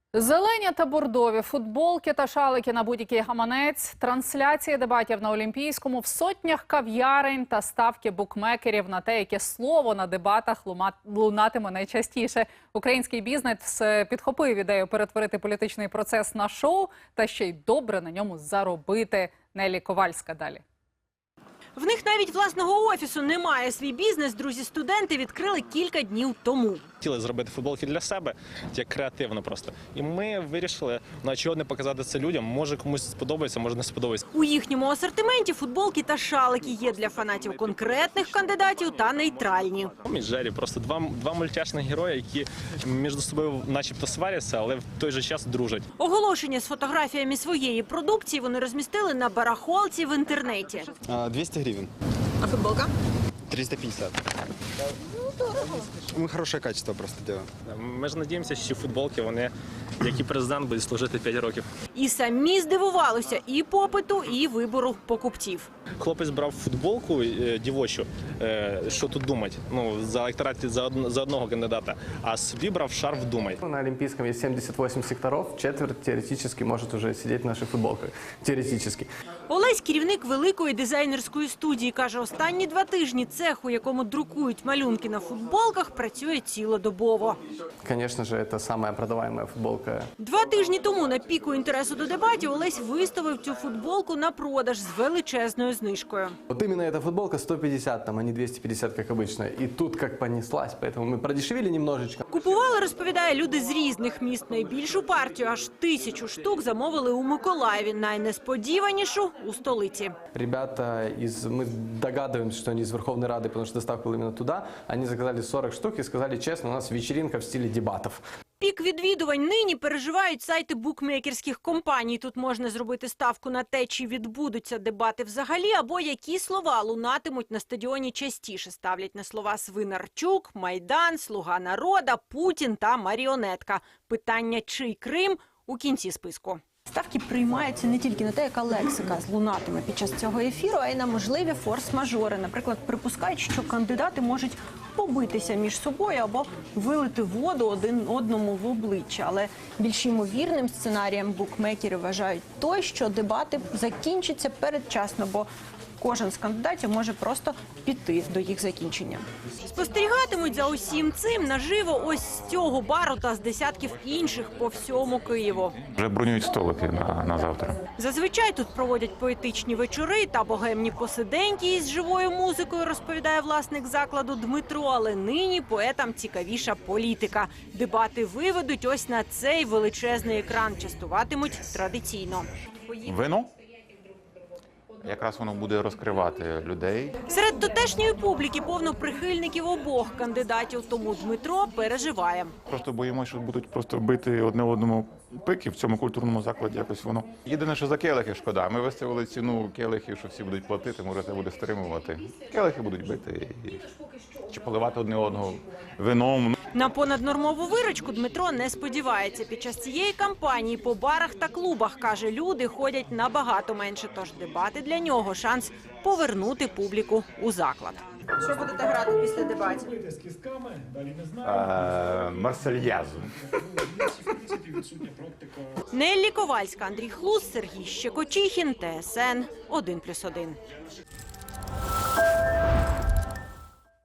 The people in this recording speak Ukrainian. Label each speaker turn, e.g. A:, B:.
A: Зелені та бордові, футболки та шалики на будь-який гаманець, трансляції дебатів на Олімпійському в сотнях кав'ярень та ставки букмекерів на те, яке слово на дебатах лунатиме найчастіше. Український бізнес підхопив ідею перетворити політичний процес на шоу та ще й добре на ньому заробити. Неллі Ковальська далі.
B: В них навіть власного офісу немає. Свій бізнес друзі-студенти відкрили кілька днів тому.
C: Хотіли зробити футболки для себе, як креативно просто. І ми вирішили, чого не показати це людям. Може комусь сподобається, може не сподобається.
B: У їхньому асортименті футболки та шалики є для фанатів конкретних кандидатів та нейтральні.
C: Том і Джері – просто два мультяшних герої, які між собою начебто сваряться, але в той же час дружать.
B: Оголошення з фотографіями своєї продукції вони розмістили на барахолці в інтернеті.
D: 200 гривен.
B: А футболка?
D: 350. Мы хорошее качество просто делаем.
C: Ми ж надіємося, що футболки, вони, як і президент, будуть служити 5 років.
B: І самі здивувалися і попиту, і вибору покупців.
C: Хлопець брав футболку дівочу, що тут думать, за електорат за одного кандидата, а собі брав шарф «Думай».
E: На Олимпийском есть 78 секторов, четверть теоретически может уже сидеть в наших футболках. Теоретически.
B: Олесь – керівник великої дизайнерської студії. Каже, останні 2 тижні цех, у якому друкують малюнки на футболках, працює цілодобово.
E: Конечно же, это самая продаваемая футболка.
B: 2 тижні тому на піку інтересу до дебатів Олесь виставив цю футболку на продаж з величезною знижкою.
E: Вот именно эта футболка 150, а не 250, как обычно. И тут как понеслась, поэтому мы продешевили немножечко.
B: Купували, розповідає, люди з різних міст. Найбільшу партію, аж 1000 штук, замовили у Миколаєві. Найнесподіванішу – у столиці.
E: Ребята мы догадываемся, что они из Верховной Рады, потому что доставка была именно туда. Они заказали 40 штук и сказали честно, у нас вечеринка в стиле дебатов.
B: Пік відвідувань нині переживають сайти букмекерських компаній. Тут можна зробити ставку на те, чи відбудуться дебати взагалі, або які слова лунатимуть на стадіоні частіше. Ставлять на слова Свинарчук, Майдан, Слуга народа, Путін та маріонетка. Питання «Чий Крим?» у кінці списку. Ставки приймаються не тільки на те, яка лексика лунатиме під час цього ефіру, а й на можливі форс-мажори. Наприклад, припускають, що кандидати можуть побитися між собою або вилити воду один одному в обличчя. Але більш ймовірним сценарієм букмекери вважають той, що дебати закінчаться передчасно, бо кожен з кандидатів може просто піти до їх закінчення. Спостерігатимуть за усім цим наживо ось з цього бару та з десятків інших по всьому Києву.
F: Вже бронюють столики на завтра.
B: Зазвичай тут проводять поетичні вечори та богемні посиденьки із живою музикою, розповідає власник закладу Дмитро. Але нині поетам цікавіша політика. Дебати виведуть ось на цей величезний екран. Частуватимуть традиційно.
F: Вино? Якраз воно буде розкривати людей.
B: Серед тутешньої публіки повно прихильників обох кандидатів, тому Дмитро переживає.
F: Просто боїмося, що будуть просто бити одне одному пики в цьому культурному закладі. Якось воно. Єдине, що за келихи шкода. Ми виставили ціну келихів, що всі будуть платити, може це буде стримувати. Келихи будуть бити чи поливати одне одного вином.
B: На понаднормову виручку Дмитро не сподівається. Під час цієї кампанії по барах та клубах, каже, люди ходять набагато менше. Тож дебати для нього – шанс повернути публіку у заклад. Що будете грати після дебатів?
F: Марсельязу.
B: Неллі Ковальська, Андрій Хлус, Сергій Щекочихін, ТСН 1+1.